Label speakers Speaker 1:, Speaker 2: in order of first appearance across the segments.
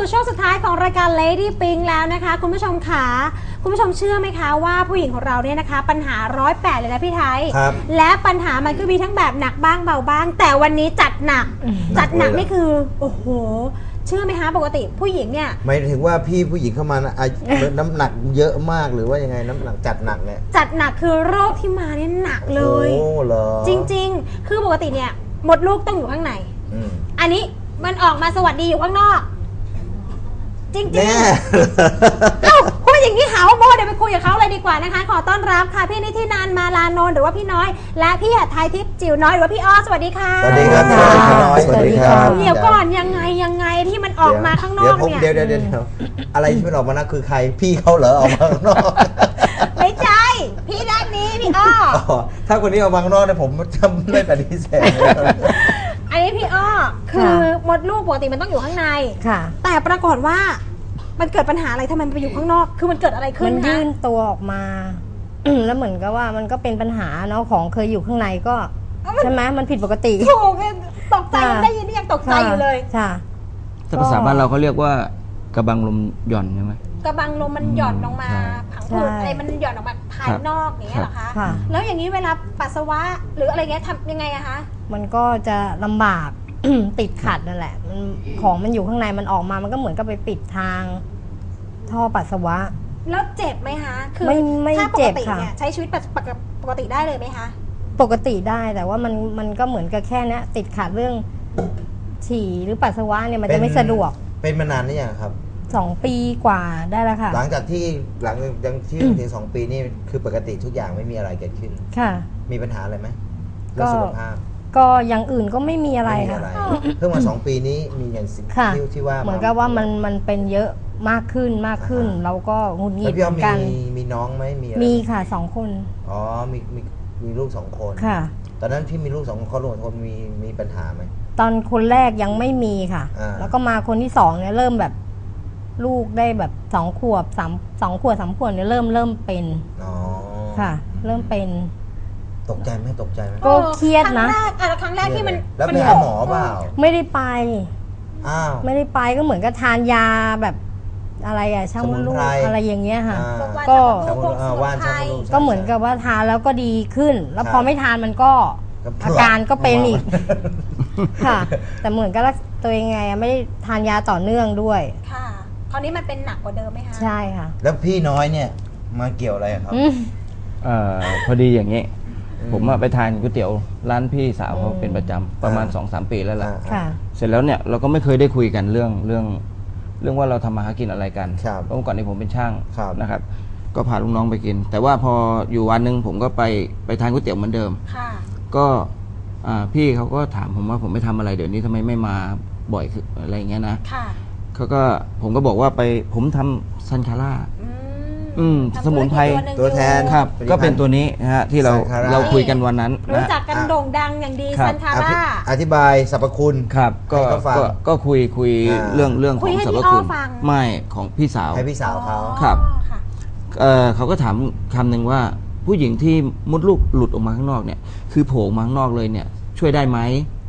Speaker 1: สู่ช่วงสุดท้ายของรายการ Lady Pink แล้วนะคะคุณผู้ชมค่ะคุณผู้ชมเชื่อไหมคะว่าผู้หญิงของเราเนี่ยนะคะปัญหา108เลยนะพี่ไทยและปัญหามันก็มีทั้งแบบหนักบ้างเบาบ้างแต่วันนี้จัดหนักนี่คือโอ้โหเชื่อไหมคะปกติผู้หญิงเนี่ย
Speaker 2: หมายถึงว่าพี่ผู้หญิงเข้ามาน้ำหนักเยอะมากหรือว่ายังไงน้ำหนักจัดหนักเนี่ย
Speaker 1: จัดหนักคือโรคที่มาเนี่ยหนักเลย
Speaker 2: โอ้เหรอ
Speaker 1: จริงๆคือปกติเนี่ยมดลูกต้องอยู่ข้างในอันนี้มันออกมาสวัสดีอยู่ข้างนอกจริงๆเอ้าพูดอย่างนี้หาว่าโมเดี๋ยวไปคุยกับเขาเลยดีกว่านะคะขอต้อนรับค่ะพี่นิธินันท์ มาลานนท์หรือว่าพี่น้อยและพี่หัดไทยทิพย์จิ๋วน้อยหรือว่าพี่อ้อสวัสดีค่ะ
Speaker 2: สวัสดีครับพี่น้อยสวัสดีครับ
Speaker 1: เดี๋ยวก่อนยังไงที่มันออกมาข้างนอกเนี่ย
Speaker 2: เดี๋ยวอะไรที่มันออกมานะคือใครพี่เขาเหรอออกมาข้างนอก
Speaker 1: ไม่ใช่พี่ด้านนี้พี่อ้อ
Speaker 2: ถ้าคนนี้ออกมาข้างนอกเนี่ยผมจะไม่ปฏิเสธ
Speaker 1: อันนี้พี่อ้อคือมดลูกปกติมันต้องอยู่ข้างในแต่ปรากฏว่ามันเกิดปัญหาอะไรทำไมมันไปอยู่ข้างนอกคือมันเกิดอะไรขึ้น
Speaker 3: มันยื่นตัวออกมาแล้วเหมือนกับว่ามันก็เป็นปัญหาเนาะของเคยอยู่ข้างในก็ใช่ไหมมันผิดปกติ
Speaker 1: ถูกตกใจได้ยินนี่ยังตกใจอยู่เลย
Speaker 3: ค่ะ
Speaker 4: ถ้าภาษาบ้านเราเขาเรียกว่ากระบังลมหย่อนใช่ไหม
Speaker 1: กระบังลมมันหย่อนลงมาผังผืดอะไรมันหย่อนออกมาภายนอกอย่างเงี้ยเหรอคะแล้วอย่างนี้เวลาปัสสาวะหรืออะไรเงี้ยทำยังไงอะคะ
Speaker 3: มันก็จะลำบากติดขัดนั่นแหละมันของมันอยู่ข้างในมันออกมามันก็เหมือนกับไปปิดทางท่อปัสสาวะ
Speaker 1: แล้วเจ็บไหมคะ
Speaker 3: คือไม่
Speaker 1: ถ้าป
Speaker 3: ก
Speaker 1: ติเนี่ยใช้ชีวิตปกติได้เลยไหมคะ
Speaker 3: ปกติได้แต่ว่ามันก็เหมือนกับแค่นี้ติดขัดเรื่องฉี่หรือปัสสาวะเนี่ยมันจะไม่สะดวก
Speaker 2: เป็นมานานหรือยังครับ
Speaker 3: 2 ปีกว่าได้แล้วค่ะ
Speaker 2: หลังจากที่ถึง2 ปีนี่คือปกติทุกอย่างไม่มีอะไรเกิดขึ้น
Speaker 3: ค่ะ
Speaker 2: มีปัญหาอะไรไหมเรื่องสุขภาพ
Speaker 3: ก็อย่างอื่นก็ไม่มีอะไรค่ะ
Speaker 2: เพิ่งมา2 ปีนี้มีอย่างสิ่งที่ว่า
Speaker 3: เหมือนกับว่ามันเป็นเยอะมากขึ้นเราก็หงุดหงิดเหมือนกัน
Speaker 2: มีน้องไหม
Speaker 3: มีค่ะ2 คน
Speaker 2: อ๋อมีลูก2 คน
Speaker 3: ค่ะ
Speaker 2: ตอนนั้นที่มีลูก2 คนลูก2 คนมีปัญหาไหม
Speaker 3: ตอนคนแรกยังไม่มีค่ะแล้วก็มาคนที่2เนี่ยเริ่มแบบลูกได้แบบ2 ขวบ3 ขวบ 3 ขวบเนี่ยเริ่มเป็นค่ะเริ่มเป็น
Speaker 2: ตกใจไหม
Speaker 3: ก็เครียดนะ
Speaker 1: ครั้งแรกที่มัน
Speaker 2: แล้วไปหาหมอเปล่า
Speaker 3: ไม่ได้ไป
Speaker 2: ไม่
Speaker 3: ได้ไปก็เหมือนกับทานยาแบบอะไรอะช่างมดลูกอะไรอย่างเงี้ยค่ะ
Speaker 1: ก็
Speaker 3: ก็เหมือนกับว่าทานแล้วก็ดีขึ้นแล้วพอไม่ทานมันก็อาการก็เป็นอีกค่ะแต่เหมือนกับตัวเองไงไม่ได้ทานยาต่อเนื่องด้วย
Speaker 1: ค่ะคราวนี้มันเป็นหนักกว่าเดิมไหมคะ
Speaker 3: ใช่ค่ะ
Speaker 2: แล้วพี่น้อยเนี่ยมาเกี่ยวอะไรครับ
Speaker 4: พอดีอย่างนี้ผมไปทานก๋วยเตี๋ยวร้านพี่สาวเขาเป็นประจำประมาณ 2-3 ปีแล้วแหละเสร็จแล้วเนี่ยเราก็ไม่เคยได้คุยกันเรื่องว่าเราทำมาหากินอะไรกันเพราะเมื่อก่อนนี้ผมเป็นช่างนะครับก็พาลูกน้องไปกินแต่ว่าพออยู่วันหนึ่งผมก็ไปทานก๋วยเตี๋ยวเหมือนเดิมก็พี่เขาก็ถามผมว่าผมไม่ทำอะไรเดี๋ยวนี้ทำไมไม่มาบ่อยอะไรอย่างเงี้ยนะผมก็บอกว่าผมทำซันคาร่าสมุนไพร
Speaker 2: ตัวแทน
Speaker 4: ครับก็เป็นตัวนี้นะฮะที่เราคุยกันวันนั้น
Speaker 1: รู้จักกันโด่งดังอย่างดีซันคาร่า
Speaker 2: อธิบายสรรพคุณ
Speaker 4: ครับก็คุยเรื่องของสรรพคุณไม่ของพี่สาว
Speaker 2: ให้พี่สาวเขา
Speaker 4: ครับเขาก็ถามคำหนึ่งว่าผู้หญิงที่มดลูกหลุดออกมาข้างนอกเนี่ยคือโผล่มาข้างนอกเลยเนี่ยช่วยได้ไหม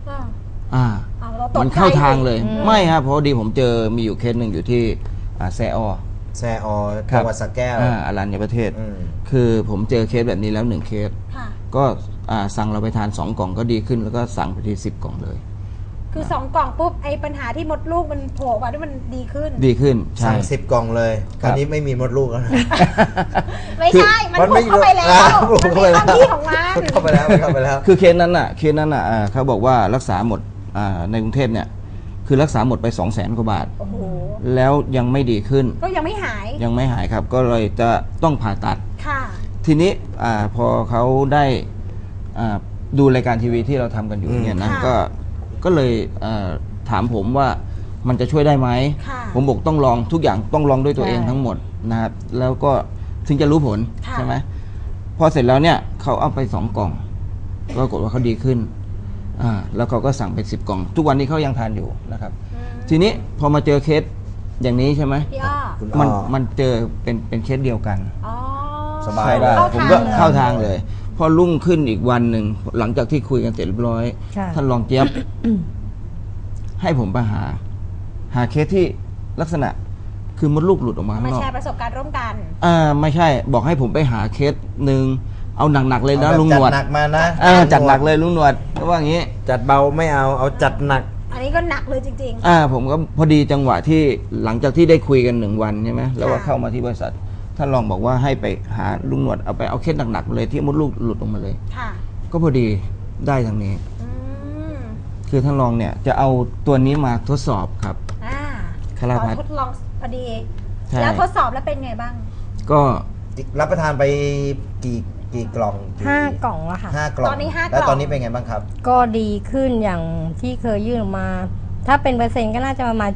Speaker 4: มันเข้าทางเลยไม่ครับเพราะดีผมเจอมีอยู่เคสหนึ่งอยู่ที่แซอ
Speaker 2: จังหวัดสระแก้ว
Speaker 4: อรัญญประเทศคือผมเจอเคสแบบนี้แล้ว1 เคสก็สั่งเราไปทาน2 กล่องก็ดีขึ้นแล้วก็สั่งไปที10 กล่องเลย
Speaker 1: คือ2 กล่องปุ๊บไอ้ปัญหาที่มดลูกมันโผล่มาที่มันดีขึ้น
Speaker 2: สั่ง10 กล่องเลยตอนนี้ไม่มีมดลูกแล้ว
Speaker 1: ไม่ใช่มันพุ่งเข้าไปแล้วมันมีความที่ของมัน
Speaker 2: เข้าไปแล้ว
Speaker 4: คือเคสนั้นเขาบอกว่ารักษาหมดในกรุงเทพเนี่ยคือรักษาหมดไป200,000 กว่าบาทแล้วยังไม่ดีขึ้น
Speaker 1: ก็ยังไม่ห
Speaker 4: ายครับก็เลยจะต้องผ่าตัดทีนี้พอเขาได้ดูรายการทีวีที่เราทำกันอยู่เนี่ยนะก็เลยถามผมว่ามันจะช่วยได้ไหมผมบอกต้องลองทุกอย่างต้องลองด้วยตัวเองทั้งหมดนะครับแล้วก็ถึงจะรู้ผลใช่ไหมพอเสร็จแล้วเนี่ยเขาเอาไป2 กล่องปรากฏว่าเขาดีขึ้นแล้วเขาก็สั่งไป10 กล่องทุกวันนี้เขายังทานอยู่นะครับทีนี้พอมาเจอเคสอย่างนี้ใช่ไหมมันเจอเป็นเคสเดียวกัน
Speaker 2: สบายได้
Speaker 4: ผมก็เข้าทางเลยพอรุ่งขึ้นอีกวันหนึ่งหลังจากที่คุยกันเสร็จเรียบร้อยท่านรองเจี๊ยบให้ผมไปหาเคสที่ลักษณะคือมดลูกหลุดออกมาข้าง
Speaker 1: มาน
Speaker 4: อก
Speaker 1: แชร์ประสบการณ์ร่วมกัน
Speaker 4: ไม่ใช่บอกให้ผมไปหาเคสหนึ่งเอาหนักๆเลยนะ
Speaker 2: เอาแบบ
Speaker 4: ลุงหนวด
Speaker 2: จัดหนักมานะ
Speaker 4: จัดหนักเลยลุงหนวดว่าอย่างนี้
Speaker 2: จัดเบาไม่เอาจัดหนัก
Speaker 1: อันนี้ก็หนักเลยจริง
Speaker 4: ผมก็พอดีจังหวะที่หลังจากที่ได้คุยกัน1 วันใช่ไหมแล้วก็เข้ามาที่บริษัทท่านรองบอกว่าให้ไปหาลุงหนวดเอาเคสหนักๆเลยที่มดลูกหลุดออกมาเลย
Speaker 1: ๆ ค่ะ
Speaker 4: ก็พอดีได้ทางนี้
Speaker 1: อืม
Speaker 4: คือท่านรองเนี่ยจะเอาตัวนี้มาทดสอบครับ
Speaker 1: อ่า
Speaker 4: คาราพัส
Speaker 1: ทดลองพอดี
Speaker 4: ใช่
Speaker 1: แล้วทดสอบแล้วเป็นไงบ้าง
Speaker 4: ก็
Speaker 2: รับประทานไปกี่กล่องกี่
Speaker 3: 5 กล่องแล้วค่ะ
Speaker 2: 5 กล่อง
Speaker 1: ตอนนี้5
Speaker 2: แล้ว
Speaker 1: กล่อง
Speaker 2: ตอนนี้เป็นไงบ้างครับ
Speaker 3: ก็ดีขึ้นอย่างที่เคยยื่นออกมา ถ้าเป็นเปอร์เซ็นต์ก็น่าจะประมาณ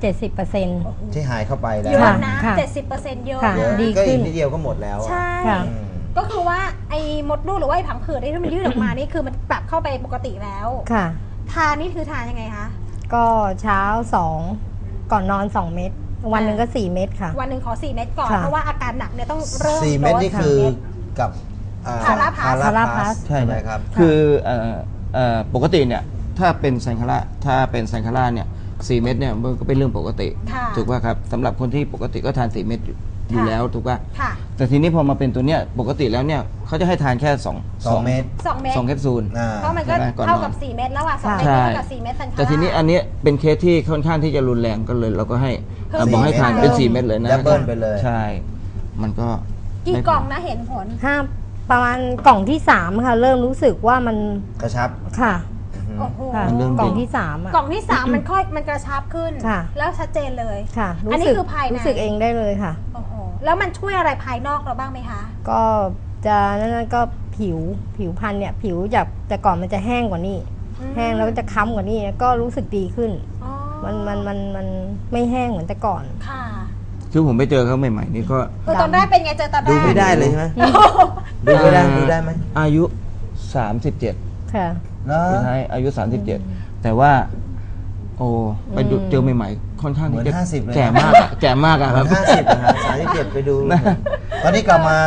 Speaker 3: 70%
Speaker 2: ที่หายเข้าไปแล้ว
Speaker 1: เยอะนะ
Speaker 3: ค่ะ
Speaker 1: 70%เยอะ
Speaker 3: ค่ะ
Speaker 2: เยอะ
Speaker 3: ดี
Speaker 2: ก็
Speaker 3: ขึ้
Speaker 2: อี
Speaker 3: น
Speaker 2: กนิดเดียวก็หมดแล้วอะ
Speaker 1: ใช่
Speaker 3: ค่ะ
Speaker 2: อืม
Speaker 1: ก็คือว่าไอ้มดลูกหรือว่าไอ้ผังผืดที่มันยืดออกมานี่คือมันปรับเข้าไปปกติแล้ว
Speaker 3: ค่ะ
Speaker 1: ทานนี่คือทานยังไงคะ
Speaker 3: ก็เช้า 2 ก่อนนอน 2 เม็ดวันหนึ่งก็ 4 เม็ดค่ะ
Speaker 1: วันหนึ่งขอ 4 เม็ดก่อน
Speaker 3: ค่ะ
Speaker 1: เพราะว่าอาการหนักเนี่ยต้องเริ่ม
Speaker 2: 4 เม็ดนี่
Speaker 1: โส
Speaker 2: คือ
Speaker 1: 4เม็ด
Speaker 2: กับ
Speaker 1: พาราพัส
Speaker 2: พาราพัส
Speaker 4: ใช่
Speaker 2: ใช่ไหมครับ
Speaker 4: คือปกติเนี่ยถ้าเป็นไซคาร่าเนี่ย4 เม็ดเนี่ยมันก็เป็นเรื่องปกติ
Speaker 1: ค่ะ
Speaker 4: ถูกป่ะครับสำหรับคนที่ปกติก็ทาน4 เม็ดอยู่แล้วถูกป่ะ
Speaker 1: ค่ะ
Speaker 4: แต่ทีนี้พอมาเป็นตัวเนี้ยปกติแล้วเนี่ยเขาจะให้ทานแค่
Speaker 2: 2 เม็ด
Speaker 1: 2 เม็ด
Speaker 4: 2แคปซูล
Speaker 1: เพราะมันก็
Speaker 4: ใช่ไหมก่อนนอน
Speaker 1: เท่ากับ 4 เม็ดแล้วอ่ะ2เม็ด
Speaker 4: ใช่
Speaker 1: เท่ากับ 4 เม็ดซันคาร่า
Speaker 4: แต่ทีนี้อันเนี้ยเป็นเคสที่ค่อนข้างที่จะรุนแรงก็เลยเราก็ให้
Speaker 1: เพิ่ม
Speaker 4: บอกให้ทานเป็น
Speaker 1: 4
Speaker 4: 4 เม็ดเลยนะ
Speaker 2: ดับเบิลไปเลย
Speaker 4: ใช่ มันก็
Speaker 1: กี่
Speaker 4: ไม่
Speaker 1: กล่องนะเห็นผล
Speaker 3: ประมาณกล่องที่ 3 ค่ะ เริ่มรู้สึกว่ามัน
Speaker 2: กระชับ
Speaker 3: ค่ะ
Speaker 1: โอ้โห
Speaker 3: ค่ะ
Speaker 4: มันเริ่ม
Speaker 3: กล่อง
Speaker 4: ดี
Speaker 3: ที่ 3 อ่ะ
Speaker 1: กล่องที่ 3 มันค่อยมันกระชับขึ้น
Speaker 3: ค่ะ
Speaker 1: แล้วชัดเจนเลย
Speaker 3: ค่ะ
Speaker 1: อันนี้
Speaker 3: สึก
Speaker 1: คือภายใน
Speaker 3: รู้สึกเองได้เลยค่ะ
Speaker 1: โอ้โหแล้วมันช่วยอะไรภายนอกเราบ้างไหมคะ
Speaker 3: ก็จะนั่นก็ผิวพรรณเนี่ย ผิวจากแต่ก่อนมันจะแห้งกว่านี้
Speaker 1: อืม
Speaker 3: แห้งแล้วก็จะค้ำกว่านี้ก็รู้สึกดีขึ้น
Speaker 1: อ๋อ
Speaker 3: มันไม่แห้งเหมือนแต่ก่อน
Speaker 1: ค่ะ
Speaker 4: คือผมไปเจอเขาใหม่ๆนี่ก็
Speaker 1: ตอนแรกเป็นไงเจอตอนแรก
Speaker 2: ดูไม่ได้เลยใช่ไหมดูไม่ได้ดูได้ไหม
Speaker 4: อายุ 37
Speaker 3: ค่ะ
Speaker 2: เนาะ
Speaker 4: พี่ไทยอายุ 37 แต่ว่า โอ้ไปดูเจอใหม่ๆค่อนข้าง
Speaker 2: เหมือน
Speaker 4: ที่จะ
Speaker 2: 50เลยนะ
Speaker 4: แก่มากอะแก่มากอะครับ
Speaker 2: 50นะฮะ37ไปดู ตอนนี้กลับมา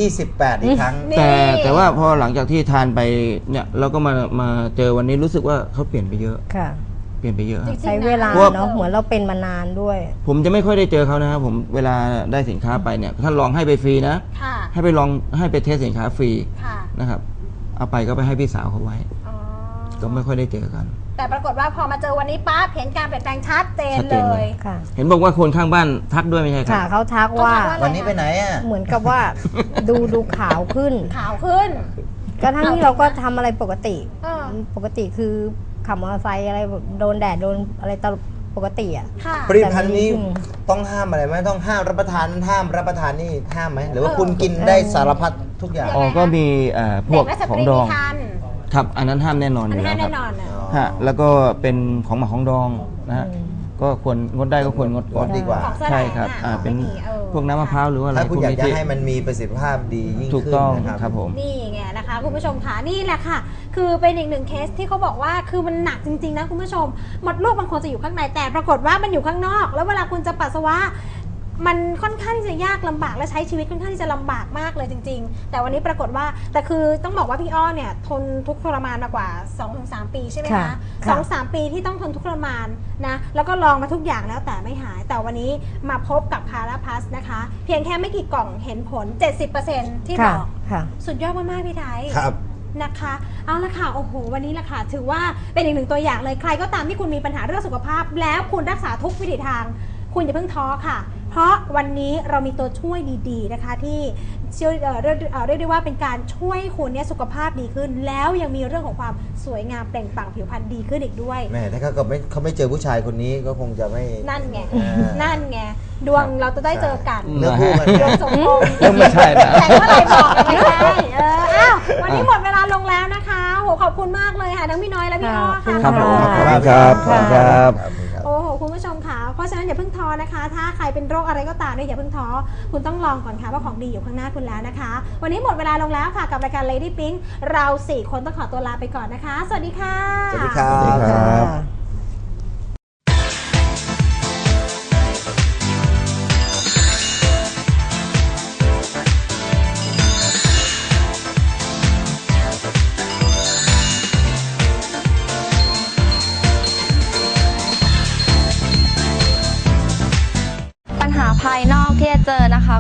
Speaker 2: 28 อีกครั้ง
Speaker 1: นี่
Speaker 4: แต่ว่าพอหลังจากที่ทานไปเนี่ยเราก็มาเจอวันนี้รู้สึกว่าเขาเปลี่ยนไปเยอะ
Speaker 3: ค่ะ
Speaker 4: เปลี่ยนไปเยอะครับ
Speaker 3: ใช้เวลา
Speaker 4: เพราะว่า
Speaker 3: เนาะเหมือนเราเป็นมานานด้วย
Speaker 4: ผมจะไม่ค่อยได้เจอเขานะครับผมเวลาได้สินค้าไปเนี่ยท่านลองให้ไปฟรีนะ
Speaker 1: ค่ะ
Speaker 4: ให้ไปเทสสินค้าฟรี
Speaker 1: ค่ะ
Speaker 4: นะครับ เอาไปก็ไปให้พี่สาวเขาไว้
Speaker 1: อ๋อ
Speaker 4: ก็ไม่ค่อยได้เจอกัน
Speaker 1: แต่ปรากฏว่าพอมาเจอวันนี้ปั๊บเห็นการเปลี่ยนแปลงชัดเจน
Speaker 4: ชัดเจ
Speaker 1: เล
Speaker 4: นเลย
Speaker 1: ย
Speaker 3: ค่ะ
Speaker 4: เห็นบอกว่าคนข้างบ้านทักด้วยไม่ใช่ครั
Speaker 3: ค่ะ
Speaker 4: บ
Speaker 3: เขาทักว่า
Speaker 1: เขาทักว่า
Speaker 2: วันนี้ไปไหนอ่ะ
Speaker 3: เหมือนกับว่า ดูขาวขึ้น
Speaker 1: ขาวขึ้น
Speaker 3: ก็ทั้งที่เราก็ทำอะไรปกติ
Speaker 1: เออ
Speaker 3: ปกติคือขับมอเตอร์ไซค์อะไรแบบโดนแดดโดนอะไรตลอดปกติอ่ะ
Speaker 1: ค่ะ
Speaker 2: ผลิตภัณฑ์นี้ต้องห้ามอะไรไหมต้องห้ามรับประทานห้ามรับประทานนี่ห้ามไหมหรือว่าคุณกินได้สารพัดทุกอย่าง
Speaker 4: อ๋อก็มีพว
Speaker 1: เด็
Speaker 4: ก
Speaker 1: กและส
Speaker 4: ขอ
Speaker 1: ต
Speaker 4: ง
Speaker 1: รี
Speaker 4: ดอ
Speaker 1: มี
Speaker 4: ง
Speaker 1: คัน
Speaker 4: ครับอันนั้นห้ามแน่นอนอ
Speaker 1: อัน
Speaker 4: ยู่
Speaker 1: นี้
Speaker 4: แล้ว
Speaker 1: แน่
Speaker 4: ครับ
Speaker 1: นอนนะ
Speaker 4: ฮะแล้วก็เป็นของหมักของดองนะฮะก็ควรงดได้ก็ควรงดก่อน
Speaker 2: งดดีกว่า
Speaker 1: ของแสลง
Speaker 4: ใช่ครับ
Speaker 1: อะ
Speaker 4: เป็น
Speaker 1: ไม่มี
Speaker 4: พวกน้ำมะพร้าวหรือว่าอะไร
Speaker 2: ถ้าคุณอยาก
Speaker 4: พว
Speaker 2: จะ
Speaker 4: ที่
Speaker 2: ให้มันมีประสิทธิภาพดียิ่ง
Speaker 4: ถูก
Speaker 2: ขึ้น
Speaker 4: ต้อง
Speaker 2: นะครับ
Speaker 4: ครับผม
Speaker 1: นี่ไงนะคะคุณผู้ชมค่ะนี่แหละค่ะ คือเป็นอีกหนึ่งเคสที่เขาบอกว่าคือมันหนักจริงๆนะคุณผู้ชมมดลูกมันควรจะอยู่ข้างในแต่ปรากฏว่ามันอยู่ข้างนอก แล้วเวลาคุณจะปัสสาวะมันค่อนข้างที่จะยากลำบากและใช้ชีวิตค่อนข้างที่จะลำบากมากเลยจริง ๆ แต่วันนี้ปรากฏว่าแต่คือต้องบอกว่าพี่อ้อเนี่ยทนทุกข์ทรมานมากว่า 2-3 ปีใช่ไหม
Speaker 3: ค่ะ
Speaker 1: คะ
Speaker 3: ค่ะ
Speaker 1: 2-3 ปีที่ต้องทนทุกข์ทรมานนะแล้วก็ลองมาทุกอย่างแล้วแต่ไม่หาย แต่วันนี้มาพบกับพาราพัสนะคะ เพียงแค่ไม่กี่กล่องเห็นผล 70%ที่บ
Speaker 3: ค่ะ
Speaker 1: อก
Speaker 3: ค่ะ
Speaker 1: สุดยอดมากๆพี่ไทย
Speaker 2: ครับ
Speaker 1: นะคะเอาละค่ะโอ้โหวันนี้ละค่ะถือว่าเป็นอีกหนึ่งตัวอย่างเลยใครก็ตามที่คุณมีปัญหาเรื่องสุขภาพ แล้วคุณรักษาทุกวิถีทาง คุณอย่าเพิ่งท้อค่ะ เพราะวันนี้เรามีตัวช่วยดีๆนะคะที่ช่วยเรียกได้ว่าเป็นการช่วยคุณเนี่ยสุขภาพดีขึ้น แล้วยังมีเรื่องของความสวยงามเปล่งปลั่งผิวพรรณดีขึ้นอีกด้วย
Speaker 2: แม่ถ้าเขาไม่เจอผู้ชายคนนี้ก็คงจะไม่
Speaker 1: นั่นไง
Speaker 2: อ่า
Speaker 1: นั่นไงดวงเราจะได้เจอกัน
Speaker 2: เลือกคู่กัน
Speaker 1: ดวงสมพงษ์
Speaker 4: เรื่องไม่ใช่นะ
Speaker 1: แต่เมื่อไหรบอกกันไม่ใช่อ้าววันนี้หมดเวลาลงแล้วนะคะโหขอบคุณมากเลยค่ะทั้งพี่น้อยและพี่อ้อค่ะ
Speaker 4: ครับผม
Speaker 3: ขอบคุณ
Speaker 4: ครับ
Speaker 3: ค่ะ
Speaker 4: ครับ
Speaker 1: โอ้โหคุณผู้ชมค่ะเพราะฉะนั้นอย่าเพิ่งท้อนะคะ ถ้าใครเป็นโรคอะไรก็ตามเนี่ยอย่าเพิ่งท้อคุณต้องลองก่อนค่ะว่าของดีอยู่ข้างหน้าคุณแล้วนะคะ วันนี้หมดเวลาลงแล้วค่ะกับรายการ Lady Pink เรา 4 คนต้องขอตัวลาไปก่อนนะคะ สวัสดีค่ะ
Speaker 2: สวัสดีครับ
Speaker 4: สวัสดีครับ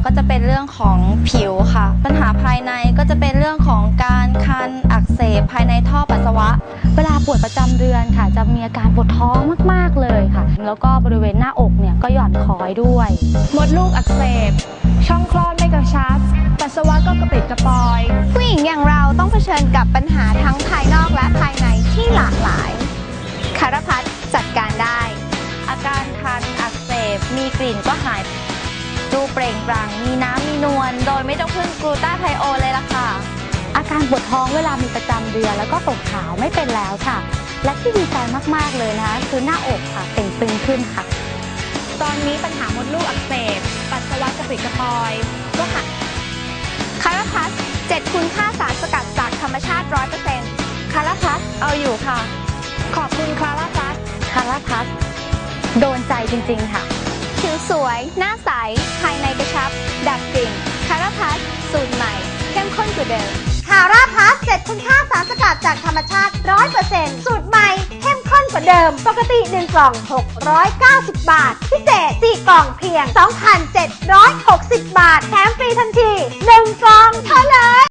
Speaker 5: ก็จะเป็นเรื่องของผิวค่ะปัญหาภายในก็จะเป็นเรื่องของการคันอักเสบภายในท่อปัสสาวะเวลาปวดประจำเดือนค่ะจะมีอาการปวดท้องมากๆเลยค่ะแล้วก็บริเวณหน้าอกเนี่ยก็หย่อนคล้อยด้วยมดลูกอักเสบช่องคลอดไม่กระชับปัสสาวะก็กระปิดกระปอย
Speaker 6: ผู้หญิงอย่างเราต้องเผชิญกับปัญหาทั้งภายนอกและภายในที่หลากหลายคารพัฒน์จัดการได้
Speaker 5: อาการคันอักเสบมีกลิ่นก็หายดูเปล่งปลั่งมีน้ำมีนวลโดยไม่ต้องพึ่งกลูต้าไทโอนเลยล่ะค่ะอาการปวดท้องเวลามีประจำเดือนแล้วก็ตกขาวไม่เป็นแล้วค่ะและที่ดีใจมากๆเลยนะคะคือหน้าอกค่ะเต่งตึงขึ้นค่ะตอนนี้ปัญหามดลูกอักเสบปัสสาวะกระปิดกระปอยก็หาย
Speaker 6: คาราพัส7คุณค่าสารสกัดจากธรรมชาติ 100%
Speaker 5: คาราพัสเอาอยู่ค่ะขอบคุณคาราพัสคาราพัสโดนใจจริงๆค่ะ
Speaker 6: ผิวสวยหน้าใสภายในกระชับดับกลิ่นคาราพัสสูตรใหม่เข้มข้นกว่าเดิมคาราพัส7คุณค่าสารสกัดจากธรรมชาติ 100% สูตรใหม่เข้มข้นกว่าเดิมปกติ1กล่อง690 บาทพิเศษ4กล่องเพียง 2,760 บาทแถมฟรีทันที1กล่องเท่านั้น